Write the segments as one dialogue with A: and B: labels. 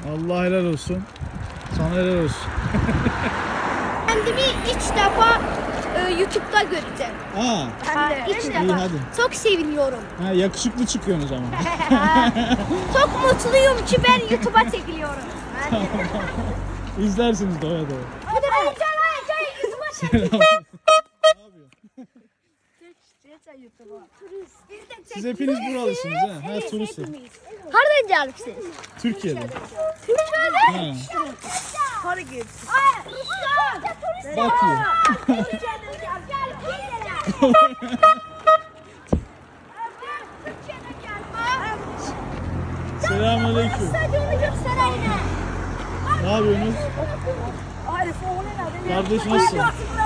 A: Allah helal olsun. Sana helal olsun.
B: Kendimi ilk defa YouTube'da göreceğim. İlk
A: İyi
B: defa.
A: hadi.
B: Çok seviniyorum.
A: Yakışıklı çıkıyorsun o zaman.
B: Çok mutluyum ki ben YouTube'a çekiliyorum.
A: İzlersiniz doya doya.
B: Hadi ben YouTube'a çekiliyorum.
A: Siz hepiniz buralısınız ha? Ha turistsiniz.
B: Nereden gelmişsiniz?
A: Türkiye'den.
B: Türkiye'den?
A: Ha.
B: Rusya.
A: Bakıyor. Selamünaleyküm. Ne yapıyorsunuz? Kardeş nasılsın?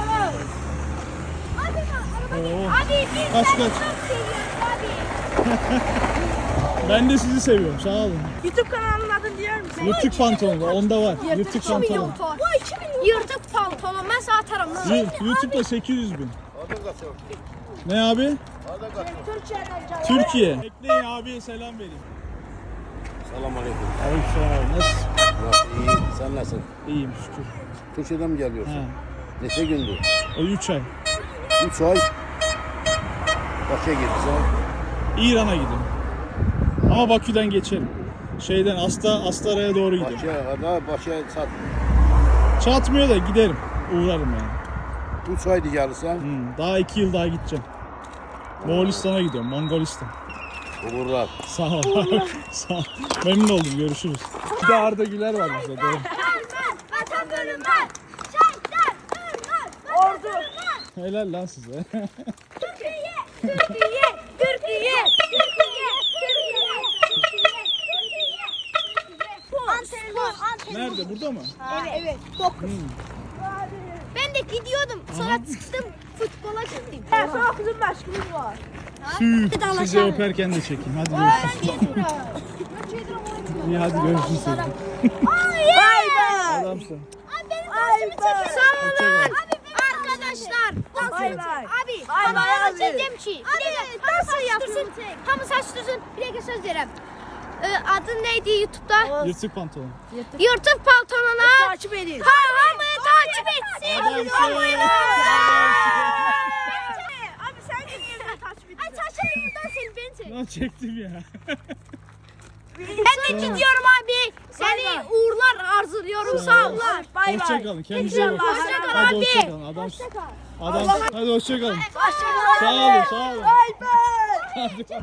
A: Oo.
B: Abi biz
A: Kaç,
B: seni
A: kaç?
B: çok seviyoruz abi.
A: Ben de sizi seviyorum. Sağ olun.
C: YouTube kanalının adını diyor musun?
A: Yırtık pantolon var. Onda var. Yırtık pantolon.
B: Bu 2 milyon. Yırtık pantolon. Ben sana atarım lan.
A: YouTube'da 800 bin. Ne abi? Türkiye. Bekleyin abiye selam vereyim.
D: Selamünaleyküm.
A: Aleykümselam abi. Nasılsın?
D: Nasıl? İyi. Sen nasılsın?
A: İyiyim şükür.
D: Türkiye'den mi geliyorsun?
A: Ha.
D: Neçe gündür?
A: O 3 ay.
D: 3 ay. Başa gitsen.
A: İran'a gidiyorum. Ama Bakü'den geçerim. Şeyden Astara'ya doğru gidiyorum.
D: Başa sat.
A: Çatmıyor da giderim. Uğrarım yani.
D: 3 aydı gelirsen.
A: Daha 2 yıl daha gideceğim. Moğolistan'a gidiyorum. Mongolistan.
D: Uğurlar.
A: Sağ ol. Sağ ol. Memnun oldum. Görüşürüz. Bir de Arda Güler var bizde. Doğru.
B: Vatan bölümden. Şehitler.
C: Ordu.
A: Helal lan size.
B: Türkiye. Türkiye. Türkiye. Türkiye. Antrenman.
A: Nerede? Burada mı?
B: Evet. 9. Ben de gidiyordum. Sonra çıktım. Futbola gittim.
C: Sonra kızım aşkımız var.
A: Tüh. Sizi öperken de çekeyim. Hadi görüşürüz. İyi hadi görüşürüz.
C: Bay bay.
A: Adamsın.
B: Abi benim dansımı çekin. Sağ olun.
A: Hoşçakal.
B: Arkadaşlar.
C: Bay bay.
B: Abi.
C: Bay bay
B: Bana
C: abi.
B: diyeceğim ki. Tam saçtırsın. Tam saçtırsın. Bir dakika söz verem. Adın neydi YouTube'da?
A: Yırtık pantolon.
B: Yırtık pantolona.
C: Takip edin.
B: Hamı takip etsin.
A: Adamsın.
C: Abi sen de niye takip
B: Ay
C: ediyorsun?
B: saçlarımdan seni ben çek.
A: Lan çektim ya.
B: Ben de gidiyorum abi. Seni uğurlar arzuluyorum. Sağ ol.
C: Bay bay.
A: Hoşçakalın. Kendinize iyi bakın.
B: Hoşça kal
A: Hadi
B: abi.
A: hoşçakalın. Adamsın. Adam. Hadi hoşçakalın.
B: Hoşça kal abi.
A: Sağ olun. Sağ olun.
C: Bay bay.
A: Hadi.